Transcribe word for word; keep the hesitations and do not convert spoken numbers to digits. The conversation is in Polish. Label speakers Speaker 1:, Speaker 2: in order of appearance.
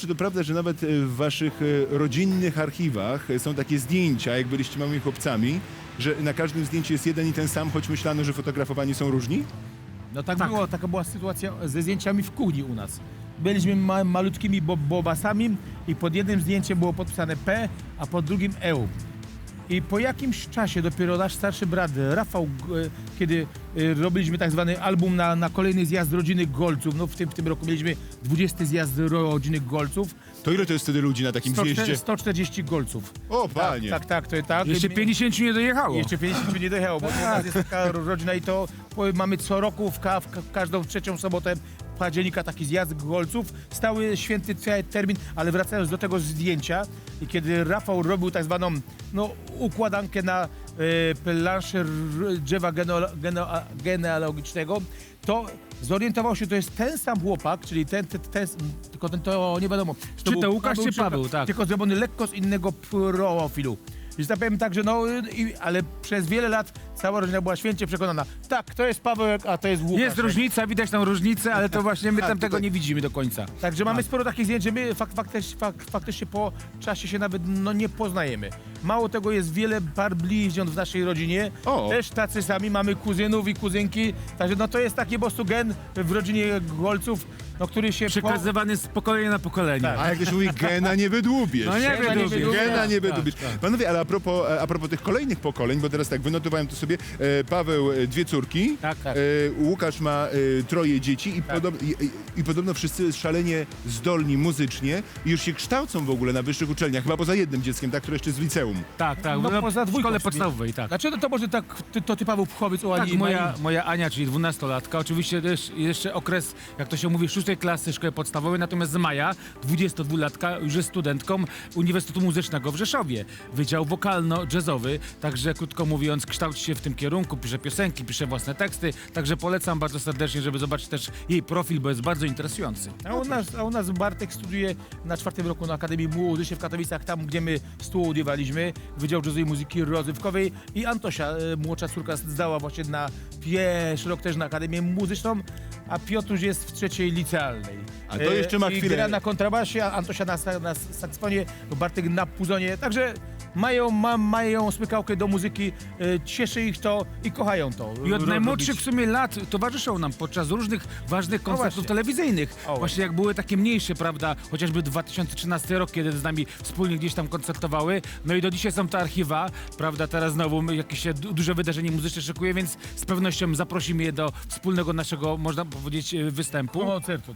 Speaker 1: czy to prawda, że nawet e, w waszych e, rodzinnych archiwach e, są takie zdjęcia, jak byliście małymi chłopcami, że na każdym zdjęciu jest jeden i ten sam, choć myślano, że fotografowani są różni?
Speaker 2: No tak,
Speaker 3: Tak.
Speaker 2: było, taka była sytuacja ze zdjęciami w kuchni u nas. Byliśmy ma malutkimi bo bobasami i pod jednym zdjęciem było podpisane P, a pod drugim E. I po jakimś czasie dopiero nasz starszy brat Rafał, e, kiedy e, robiliśmy tak zwany album na, na kolejny zjazd rodziny Golców, no w tym, w tym roku mieliśmy dwudziesty zjazd rodziny Golców,
Speaker 1: To ile to jest wtedy ludzi na takim zjeździe?
Speaker 2: sto czterdzieści Golców.
Speaker 1: O, panie!
Speaker 2: Tak, tak, to jest tak.
Speaker 3: Jeszcze pięćdziesięciu nie dojechało.
Speaker 2: Jeszcze pięćdziesiąt nie dojechało, bo u nas jest taka rodzina i to po- mamy co roku w, ka w ka- każdą trzecią sobotę października taki zjazd golców, stały święty te- termin, ale wracając do tego zdjęcia, i kiedy Rafał robił tak zwaną no, układankę na e, planszy r- drzewa geno- geno- genealogicznego, to zorientował się, to jest ten sam chłopak, czyli ten, ten, ten tylko ten to nie wiadomo.
Speaker 3: Czy
Speaker 2: był
Speaker 3: to Łukasz, czy Paweł, tak.
Speaker 2: Tylko zrobiony lekko z innego profilu. I tak powiem tak, że no, i, ale przez wiele lat cała rodzina była święcie przekonana. Tak, to jest Pawełek, a to jest Łukasz.
Speaker 3: Jest różnica, widać tam różnicę, ale to właśnie my
Speaker 1: A,
Speaker 3: tam tego
Speaker 1: tutaj-
Speaker 3: nie widzimy do końca.
Speaker 2: Także mamy sporo takich zdjęć, że my fak, faktycznie, fak, faktycznie po czasie się nawet no, nie poznajemy. Mało tego, jest wiele par bliźniąt w naszej rodzinie.
Speaker 1: O.
Speaker 2: Też tacy sami, mamy kuzynów i kuzynki. Także no to jest taki po prostu gen w rodzinie Golców, no, który się...
Speaker 3: Przekazywany z pokolenia na pokolenie.
Speaker 2: Tak.
Speaker 1: A jak już mówi, gena nie wydłubiesz.
Speaker 3: No nie
Speaker 2: Gena nie
Speaker 3: wydłubię.
Speaker 2: wydłubię.
Speaker 1: Gena nie
Speaker 3: Tak,
Speaker 1: wydłubiesz.
Speaker 3: tak.
Speaker 1: Panowie, ale a propos, a propos tych kolejnych pokoleń, bo teraz tak, wynotowałem to sobie, e, Paweł e, dwie córki,
Speaker 3: Tak, tak.
Speaker 1: E, Łukasz ma e, troje dzieci i,
Speaker 2: Tak.
Speaker 1: podob, i, i, i podobno wszyscy szalenie zdolni muzycznie i już się kształcą w ogóle na wyższych uczelniach, chyba poza jednym dzieckiem, tak, które jeszcze z liceum.
Speaker 3: Tak, tak.
Speaker 2: No,
Speaker 3: No,
Speaker 2: poza
Speaker 3: w
Speaker 2: dwójką
Speaker 3: szkole
Speaker 2: sobie.
Speaker 3: podstawowej, tak.
Speaker 2: Dlaczego to może tak, ty, to ty Paweł powiedz o Ani
Speaker 3: Tak,
Speaker 2: i
Speaker 3: moja,
Speaker 2: Marii?
Speaker 3: moja Ania, czyli dwunastolatka, oczywiście też jeszcze okres, jak to się mówi, szóstej klasy szkoły podstawowej, natomiast Maja, dwudziestodwulatka, już jest studentką Uniwersytetu Muzycznego w Rzeszowie. Wydział wokalno-jazzowy, także krótko mówiąc kształci się w tym kierunku, pisze piosenki, pisze własne teksty, także polecam bardzo serdecznie, żeby zobaczyć też jej profil, bo jest bardzo interesujący.
Speaker 2: A u, nas, a u nas Bartek studiuje na czwartym roku na Akademii Muzycznej w Katowicach, tam gdzie my studiowaliśmy, Wydział Jazzu i Muzyki Rozrywkowej, i Antosia, e, młodsza córka, zdała właśnie na pierwszy rok też na Akademię Muzyczną, a Piotruś jest w trzeciej licealnej.
Speaker 1: A to jeszcze ma
Speaker 2: I
Speaker 1: chwilę.
Speaker 2: gra na kontrabasie, a Antosia na, sa- na saksofonie, Bartek na puzonie, także mają, ma, mają smykałkę do muzyki, e, cieszy ich to i kochają to.
Speaker 3: I od
Speaker 2: ro-
Speaker 3: najmłodszych
Speaker 2: robić.
Speaker 3: w sumie lat towarzyszą nam podczas różnych ważnych koncertów
Speaker 2: właśnie.
Speaker 3: telewizyjnych.
Speaker 2: O,
Speaker 3: właśnie jak były takie mniejsze, prawda, chociażby dwa tysiące trzynasty rok, kiedy z nami wspólnie gdzieś tam koncertowały. No i do dzisiaj są te archiwa, prawda, teraz znowu jakieś się du- duże wydarzenie muzyczne szykuje, więc z pewnością zaprosimy je do wspólnego naszego, można powiedzieć, występu.
Speaker 2: Koncertu.